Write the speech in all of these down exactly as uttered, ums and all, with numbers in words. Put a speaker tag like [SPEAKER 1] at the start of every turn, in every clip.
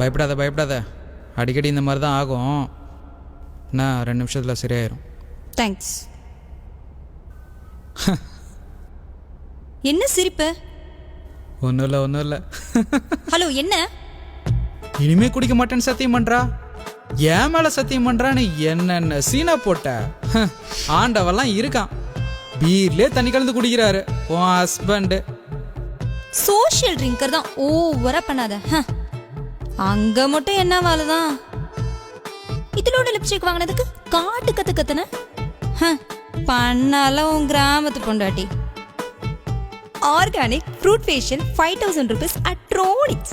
[SPEAKER 1] பயப்படாத பயப்படாத, அடிக்கடி இந்த மாதிரி தான் ஆகும். நான் ரெண்டு நிமிஷத்தில் சரியாயிரும்.
[SPEAKER 2] தேங்க்ஸ். என்ன சிரிப்பு?
[SPEAKER 1] ஒன்றும் இல்லை ஒன்றும் இல்லை.
[SPEAKER 2] ஹலோ, என்ன?
[SPEAKER 1] இனிமே குடிக்க மாட்டேன்னு சத்தியம் பண்றா, ஏன் மேல சத்தியம் பண்றான்னு என்னென்ன சீனா போட்ட. ஆண்டவெல்லாம் இருக்கான், பீர்லயே தண்ணி கலந்து குடிக்கிறாரு உன் ஹஸ்பண்ட்.
[SPEAKER 2] சோஷியல் ட்ரிங்கர் தான், ஓவரா பண்ணாத. அங்க மட்டும் என்ன வேலைதான்? இதோட லிப்ஸ்டிக் வாங்கினதுக்கு காட்டு கத்து கத்துன பண்ணால உன் கிராமத்து பொண்டாட்டி. Organic fruit facial five thousand rupees at Tronics.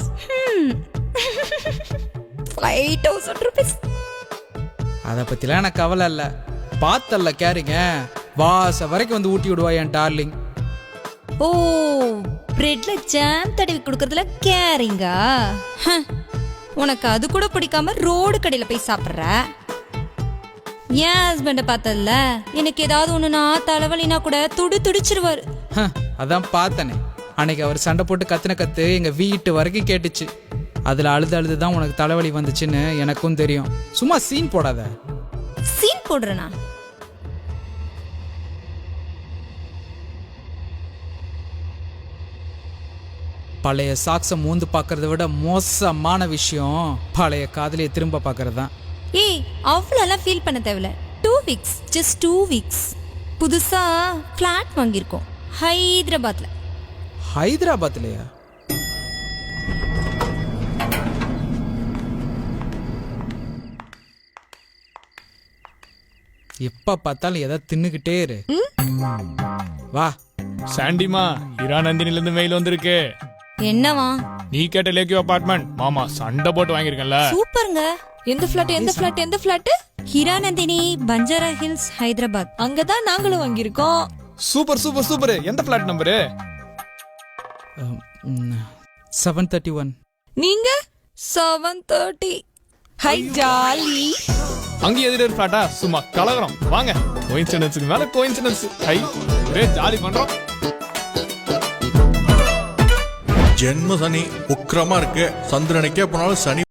[SPEAKER 2] Five thousand rupees.
[SPEAKER 1] அதை பத்திலாம் எனக்கு கவலை இல்லை, பார்த்தல்ல கேரிங்க, வாச வரைக்கும் வந்து ஊட்டி விடுவா என் டார்லிங்.
[SPEAKER 2] ஓ, பிரெட்ல ஜாம் தடவி கொடுக்கறதுல கேரிங்கா? உனக்கு அது கூட பிடிக்காம ரோடு கடையில போய் சாப்பிட்ற. என் ஹஸ்பண்ட பார்த்தல, எனக்கு ஏதாவது ஒண்ணுனா தலைவலினா கூட துடி துடிச்சிருவாரு.
[SPEAKER 1] அதான் பார்த்தனே, அன்னைக்கு அவர் சண்டை போட்டு கத்துன கத்து எங்க வீட்டு வரைக்கும் கேட்டுச்சு. அதுல அழுது அழுதுதான் உனக்கு தலைவலி வந்துச்சுன்னு எனக்கும் தெரியும். சும்மா சீன் போடாத.
[SPEAKER 2] சீன் போடுறனா?
[SPEAKER 1] பழைய சாக்ஸை மூந்து பார்க்கறத விட மோசமான விஷயம் பழைய காதலியை திரும்ப பார்க்கறது தான்.
[SPEAKER 2] ஏய், அவ்வளோலாம் ஃபீல் பண்ண தேவையில்ல. Two weeks just two weeks. புதுசா ஃப்ளாட் வாங்கியிருக்கோம் ஹைதராபாத்ல.
[SPEAKER 1] ஹைதராபாத்லையா? எப்ப பார்த்தாலும் எதை தின்னுகிட்டே இரு. வா.
[SPEAKER 3] சாண்டிமா, இரா நந்தினில இருந்து மெயில் வந்திருக்கு.
[SPEAKER 2] என்னவா?
[SPEAKER 3] நீ கேட்ட லேக்கியோ அபார்ட்மெண்ட் மாமா சண்டை போட்டு வாங்கியிருக்கேன்ல.
[SPEAKER 2] சூப்பருங்க.
[SPEAKER 4] எந்த ஃபிளாட் எந்த ஃபிளாட் எந்த ஃபிளாட்?
[SPEAKER 2] ஹிராநந்தினி, பஞ்சாரா ஹில்ஸ், ஹைதராபாத்.
[SPEAKER 4] அங்கதான் நாங்களும் வாங்கியிருக்கோம்.
[SPEAKER 3] Super super super. எந்த flat number?
[SPEAKER 1] Seven thirty one.
[SPEAKER 4] நீங்க செவன் தேர்ட்டி. ஹை ஜாலி.
[SPEAKER 3] அங்க எதிர ஃபிளாட்டா? சும்மா கலகரம். வாங்க, கோயின்சிடன்ஸ்க்கு மேல கோயின்சிடன்ஸ். ஹை, ஒரே ஜாலி பண்றோம்.
[SPEAKER 5] ஜென்ம சனி உக்கிரமா இருக்கு. சந்திரனுக்கே போனாலும் சனி